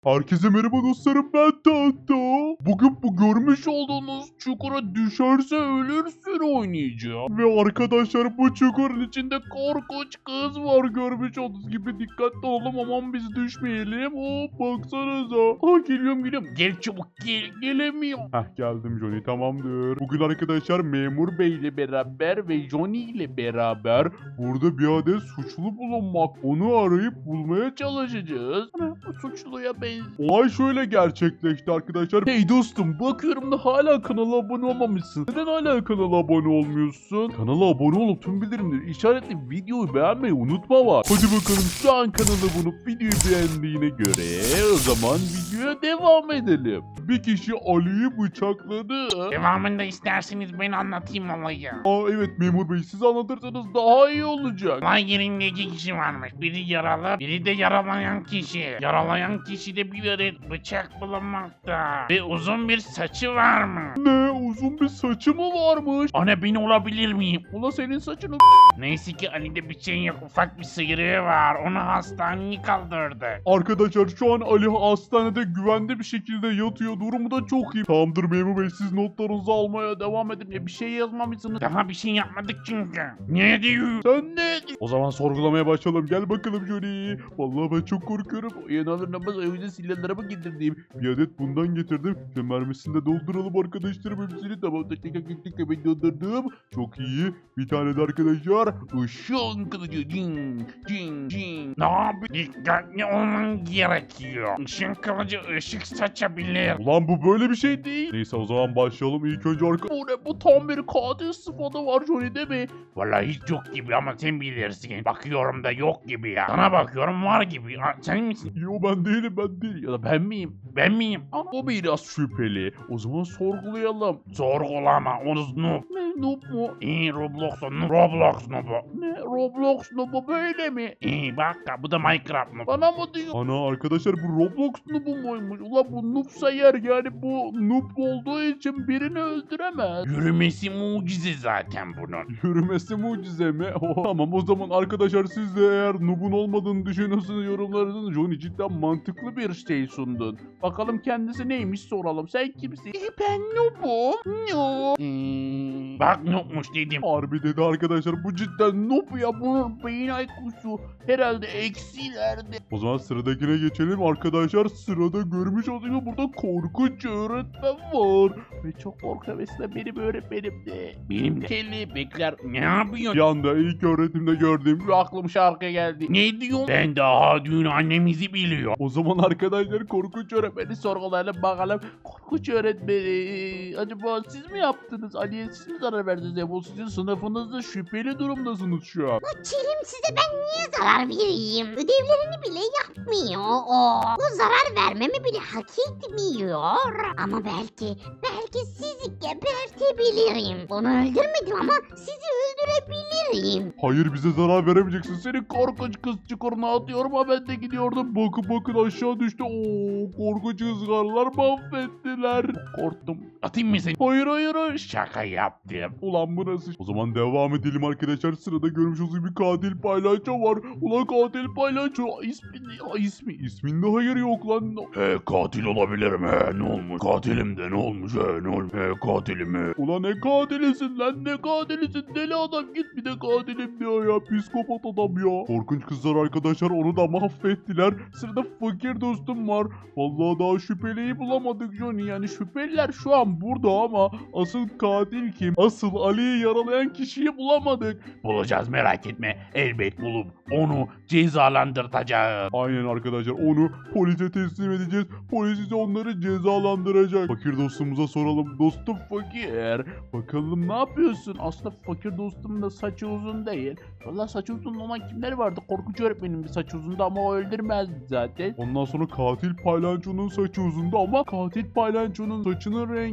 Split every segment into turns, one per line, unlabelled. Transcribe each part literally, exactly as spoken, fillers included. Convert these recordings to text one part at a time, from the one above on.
Herkese merhaba dostlarım, ben Tahta. Bugün bu görmüş olduğunuz çukura düşerse ölürsün oynayacağım. Ve arkadaşlar bu çukurun içinde korkunç kız var, görmüş olduğunuz gibi. Dikkatli olalım, aman biz düşmeyelim. Hop baksanıza. Aa, geliyorum geliyorum. Gel çabuk gel, gelemiyorum. Heh, geldim Johnny, tamamdır. Bugün arkadaşlar memur bey ile beraber ve Johnny ile beraber burada bir adet suçlu bulunmak. Onu arayıp bulmaya çalışacağız. Ana, bu suçluya benziyor. Olay şöyle gerçekleşti arkadaşlar. Hey dostum, bakıyorum da hala kanala abone olmamışsın. Neden hala kanala abone olmuyorsun? Kanala abone olup tüm bildirimleri işaretli videoyu beğenmeyi unutma var. Hadi bakalım, şu an kanala bulup videoyu beğendiğine göre o zaman videoya devam edelim. Bir kişi Ali'yi bıçakladı.
Devamında isterseniz ben anlatayım olayı.
Aa evet memur bey, siz anlatırsanız daha iyi olacak.
Olay yerinde iki kişi varmış. Biri yaralı, biri de yaralayan kişi. Yaralayan kişide bir adet bıçak bulunmakta. Ve uzun bir saçı varmış.
Ne, uzun bir saçı mı varmış?
Ana ben olabilir miyim?
Ula senin saçını
Neyse ki Ali'de bir şey yok. Ufak bir sıyrığı var. Onu hastaneye kaldırdı.
Arkadaşlar şu an Ali hastanede güvende bir şekilde yatıyor. Durumu da çok iyi. Tamamdır memur bey, siz notlarınızı almaya devam edin. Ya bir şey yazmamışsınız.
Daha bir şey yapmadık çünkü. Ne diyor?
Sen ne diyorsun? O zaman sorgulamaya başlayalım. Gel bakalım Johnny. Vallahi ben çok korkuyorum. Yanalır namaz evde silahlarımı getirdim. Bir adet bundan getirdim. Ve mermisini de dolduralım arkadaşlarım hepsini. Tamam, tek tek tek tek ben doldurdum. Çok iyi. Bir tane de arkadaşlar ışın kılıcı. Cin cin cin.
Ne yapayım? Dikkatli olman gerekiyor. Işın kılıcı ışık saçabilir.
Ulan bu böyle bir şey değil. Neyse o zaman başlayalım. İlk önce arka... Bu ne, bu tam bir katil sıfatı var Johnny değil mi?
Vallahi hiç yok gibi ama sen bilirsin. Bakıyorum da yok gibi ya. Sana bakıyorum var gibi. Ha, sen misin?
Yo ben değilim, ben değil. Ya da ben miyim?
Ben miyim?
Aa, o biraz şüpheli. O zaman sorgulayalım.
Sorgulama. Onu noob.
Ne, noob mu?
İyi Roblox noob. Roblox noobu.
Ne, Roblox noobu böyle mi?
İyi bak bu da Minecraft noob.
Bana mı diyor? Ana arkadaşlar, bu Roblox noobu muymuş? Ulan bu noobsa yer, yani bu noob olduğu için birini öldüremez.
Yürümesi mucize zaten bunun.
Yürümesi mucize mi? Oh, tamam o zaman arkadaşlar, siz de eğer noob'un olmadığını düşünüyorsanız yorumlarınızı, Johnny cidden mantıklı bir şey sundun. Bakalım kendisi neymiş, soralım. Sen kimsin? E, ben noob'um. Noob.
Hmm, bak noobmuş dedim.
Harbi dedi arkadaşlar, bu cidden noob ya, bunun beyin I Q'su herhalde eksilerde. O zaman sıradakine geçelim arkadaşlar. Sırada görmüş olduğunuz gibi burada korkunç öğretmen var. Ve çok korkuyor, mesela benim öğretmenim de.
Benim de. Kelebekler ne yapıyor?
Bir anda ilk öğretimde gördüğüm bir aklım şarkıya geldi.
Ne diyor? Ben daha dün annemizi biliyor.
O zaman arkadaşlar korkunç öğretmeni sorgulayalım bakalım. Korkunç öğretmeni, acaba siz mi yaptınız? Ali'ye siz mi zarar verdiniz? Ya bu sizin sınıfınızda şüpheli durumdasınız şu an.
Kerim, size ben niye zarar vereyim? Ödevlerini bile yapmıyor o. Bu zarar vermemi bile hak etmiyor. Ama belki, belki sizi gebertebilirim. Onu öldürmedim ama sizi öldürebilirim.
Hayır, bize zarar veremeyeceksin. Seni korkunç kız çukuruna atıyorum, ama ben de gidiyordum. Bakın bakın aşağı düştü. Oo, korkunç ızgarlar mahvettiler. Korktum.
Atayım mı seni?
Hayır hayır hayır.
Şaka yaptım.
Ulan bu nasıl? O zaman devam edelim arkadaşlar. Sırada görmüş olduğunuz bir katil paylaşçı var. Ulan katil paylaşçı. İsmi ne? İsmi. İsminde hayır yok lan.
He katil olabilirim he ne olmuş? Katilim de ne olmuş he ne olmuş? He katilim he.
Ulan ne katilisin lan, ne katilisin, deli adam, git bir de katilim diyor ya, psikopat adam ya. Korkunç kızlar arkadaşlar onu da mahvettiler. Sırada fakir dostum var. Vallahi daha şüpheliyi bulamadık Johnny, yani şüpheliler şu an burada ama asıl katil kim? Asıl Ali'yi yaralayan kişiyi bulamadık.
Bulacağız merak etme. Elbet bulup onu cezalandırtacağız.
Aynen arkadaşlar, onu polise teslim edeceğiz. Polis ise onları cezalandıracak. Fakir dostumuza soralım. Dostum fakir, bakalım ne yapıyorsun? Aslında fakir dostumun da saçı uzun değil. Valla saçı uzun olan kimler vardı? Korkunç öğretmenin bir saçı uzundu ama o öldürmezdi zaten. Ondan sonra katil paylançonun saçı uzundu ama katil paylançonun saçının rengi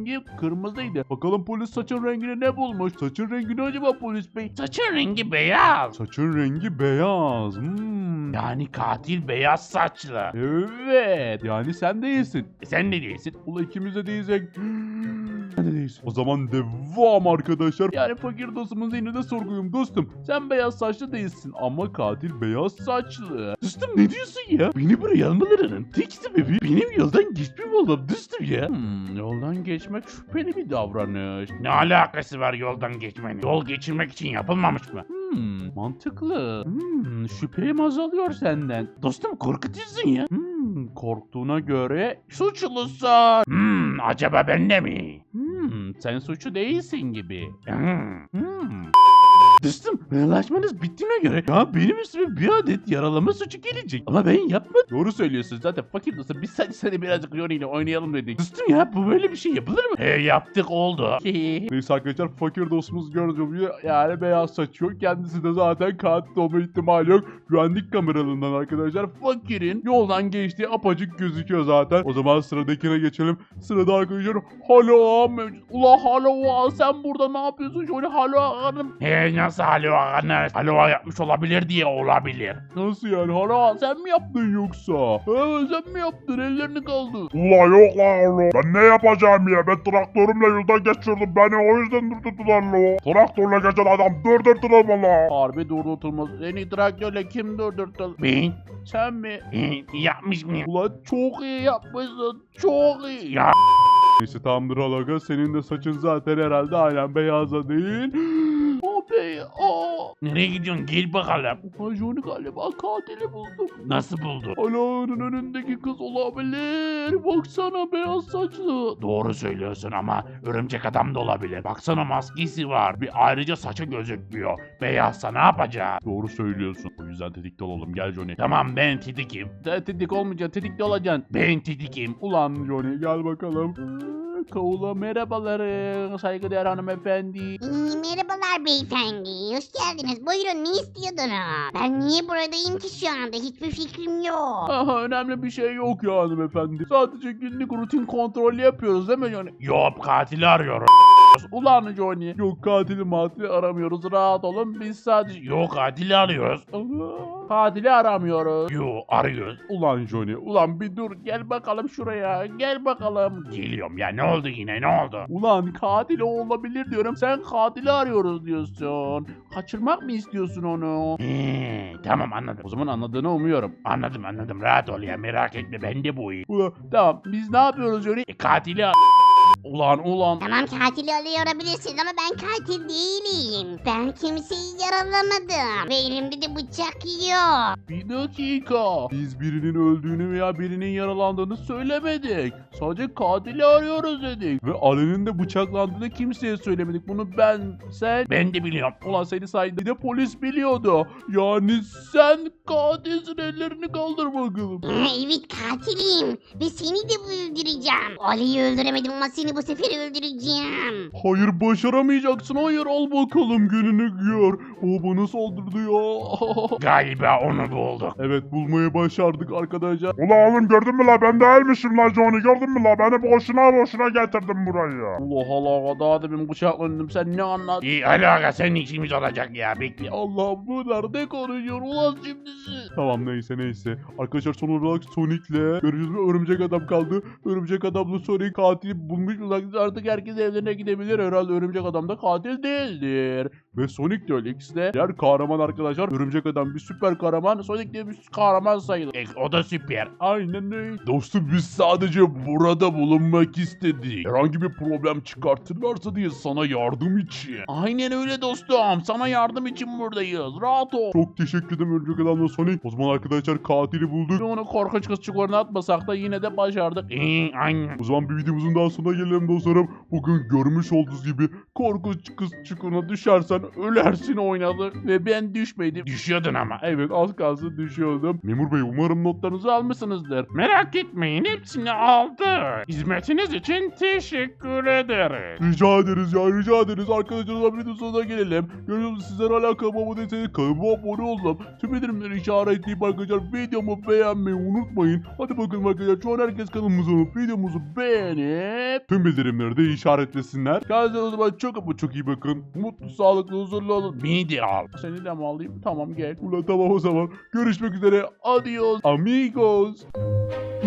rengi kırmızıydı. Bakalım polis saçın rengini ne bulmuş? Saçın rengini acaba polis bey?
Saçın rengi beyaz.
Saçın rengi beyaz. Hmm.
Yani katil beyaz saçlı.
Evet. Yani sen değilsin.
E sen ne diyorsun?
Ula ikimiz de değilsek. Sen de değilsin. O zaman devam arkadaşlar. Yani fakir dostumuz yine de sorguyum dostum. Sen beyaz saçlı değilsin ama katil beyaz saçlı. Dostum ne diyorsun ya? Beni buraya almalarının tek sebebi benim yoldan geçmem oğlum dostum ya. Hmm, yoldan geçmek şüpheli bir davranış.
Ne alakası var yoldan geçmenin? Yol geçirmek için yapılmamış mı?
Hmm, mantıklı. Hmm, şüphem azalıyor senden. Dostum korkutuyorsun ya. Hmm, korktuğuna göre suçlusun.
Hmm, acaba ben de mi?
Hmm, sen suçlu değilsin gibi.
Hmm.
Hmm. Dostum anlaşmanız bittiğine göre ya benim üstüme bir adet yaralama suçu gelecek. Ama ben yapmadım. Doğru söylüyorsun zaten fakir dostum biz sadece seni birazcık Johnny ile oynayalım dedik. Dostum ya bu böyle bir şey yapılır mı?
He yaptık oldu.
Neyse arkadaşlar fakir dostumuz gördüğünüz gibi yani beyaz saç yok. Kendisi de zaten katil olma ihtimali yok. Güvenlik kameralarından arkadaşlar fakirin yoldan geçtiği apacık gözüküyor zaten. O zaman sıradakine geçelim. Sırada arkadaşlar Halo mevcut. Ula Halo sen burada ne yapıyorsun? Şöyle Halo hanım.
He nasıl halva anne? Halva yapmış olabilir diye olabilir.
Nasıl yani Halo sen mi yaptın yoksa? Evet sen mi yaptın ellerini kaldır.
Ula yok la oğlum. Ben ne yapacağım ya? Ben traktörümle yoldan geçirdim. Beni o yüzden durdurdular la. Traktörle geçen adam durdurdular mı la?
Harbi durdurtulmaz. Seni traktörle kim durdurttu?
Ben
Sen mi?
e, yapmış mıyım?
Ulan çok iyi yapmışsın. Çok iyi.
Ya
Neyse tamamdır Alaga. Senin de saçın zaten herhalde aynen beyaza değil. O bey. O.
nereye gidiyorsun? Gel bakalım.
Majoni galiba katili buldum.
Nasıl buldu?
Ala'nın önündeki kız olabilir. Baksana beyaz saçlı.
Doğru söylüyorsun ama örümcek adam da olabilir. Baksana maskesi var. Bir ayrıca saçı gözükmüyor. Beyazsa ne yapacağız?
Doğru söylüyorsun. O yüzden tetikte olalım. Gel Johnny.
Tamam ben titikim.
Sen tetik olmayacaksın. Tetikte olacaksın.
Ben titikim.
Ulan Johnny gel bakalım. Kavula merhabalar saygıdeğer hanımefendi.
İyi, merhabalar beyefendi. Hoş geldiniz. Buyurun ne istiyordunuz? Ben niye buradayım ki şu anda? Hiçbir fikrim yok.
Aha önemli bir şey yok ya hanımefendi. Sadece günlük rutin kontrol yapıyoruz değil mi Johnny?
Yok katili arıyorum.
Ulan Johnny. Yok katili matili aramıyoruz rahat olun biz sadece...
Yok katili arıyoruz.
Aha, katili aramıyoruz.
Yok arıyoruz.
Ulan Johnny ulan bir dur gel bakalım şuraya gel bakalım.
Geliyorum ya ne oldu yine ne oldu?
Ulan katil o olabilir diyorum sen katili arıyoruz diyorsun. Kaçırmak mı istiyorsun onu?
He, tamam anladım.
O zaman anladığını umuyorum.
Anladım anladım rahat ol ya merak etme ben de bu iyi.
Ulan tamam biz ne yapıyoruz Johnny?
E, katili ar-
Ulan ulan.
Tamam katili arıyor olabilirsiniz ama ben katil değilim. Ben kimseyi yaralamadım. Ve elimde de bıçak yok.
Bir dakika. Biz birinin öldüğünü veya birinin yaralandığını söylemedik. Sadece katili arıyoruz dedik. Ve Ali'nin de bıçaklandığını kimseye söylemedik. Bunu ben, sen...
Ben de biliyorum.
Ulan seni sayende bir de polis biliyordu. Yani sen katilsin ellerini kaldır bakalım.
Ha, evet katilim. Ve seni de öldüreceğim. Ali'yi öldüremedim ama seni bu sefer öldüreceğim.
Hayır başaramayacaksın. Hayır al bakalım gününü gör. O bana saldırdı ya.
Galiba onu bulduk.
Evet bulmayı başardık arkadaşlar.
Ula oğlum gördün mü la? Ben değilmişim la Johnny. Gördün mü la? Beni boşuna boşuna getirdim buraya.
Allah Allah daha demin bıçaklandım sen ne anlat?
İyi alaka senin işimiz olacak ya bekle.
Allah bu nerede konuşuyor ulan şimdisi? Tamam neyse neyse. Arkadaşlar son olarak Sonic'le görüşürüz ve örümcek adam kaldı. Örümcek adamla Sonic katili bulmuş uzakta artık herkes evlerine gidebilir. Herhalde örümcek adam da katil değildir. Ve Sonic de öyle ikisi de diğer kahraman arkadaşlar. Örümcek adam bir süper kahraman. Sonic de bir kahraman sayılır.
E, o da süper.
Aynen öyle. Dostum biz sadece burada bulunmak istedik. Herhangi bir problem çıkartırlarsa diye sana yardım için. Aynen öyle dostum. Sana yardım için buradayız. Rahat ol. Çok teşekkür ederim Örümcek Adam'la Sonic. O zaman arkadaşlar katili bulduk. Onu korkunç kız çukuruna atmasak da yine de başardık.
İyi aynen.
O zaman bir videomuzun daha sonuna gelelim dostlarım. Bugün görmüş olduğunuz gibi korkunç kız çukuruna düşersen ölersin oynadık ve ben düşmedim.
Düşüyordun ama.
Evet az kalsın düşüyordum. Memur bey umarım notlarınızı almışsınızdır.
Merak etmeyin, hepsini aldı. Hizmetiniz için teşekkür ederiz.
Rica ederiz ya rica ederiz. Arkadaşlar videonun sonuna gelelim. Görüyorsunuz sizler hala kanalıma abone değilseniz kanalıma abone olun. Tüm bildirimleri işaretleyip arkadaşlar videomu beğenmeyi unutmayın. Hadi bakın arkadaşlar şu an herkes kanalımıza olup videomuzu beğenip tüm bildirimleri de işaretlesinler. Kendinize o zaman çok ama çok iyi bakın. Mutlu, sağlıklı, huzurlu olun.
Beni de al.
Seni de mi alayım? Tamam gel. Ulan tamam o zaman. Görüşmek üzere. Adios amigos.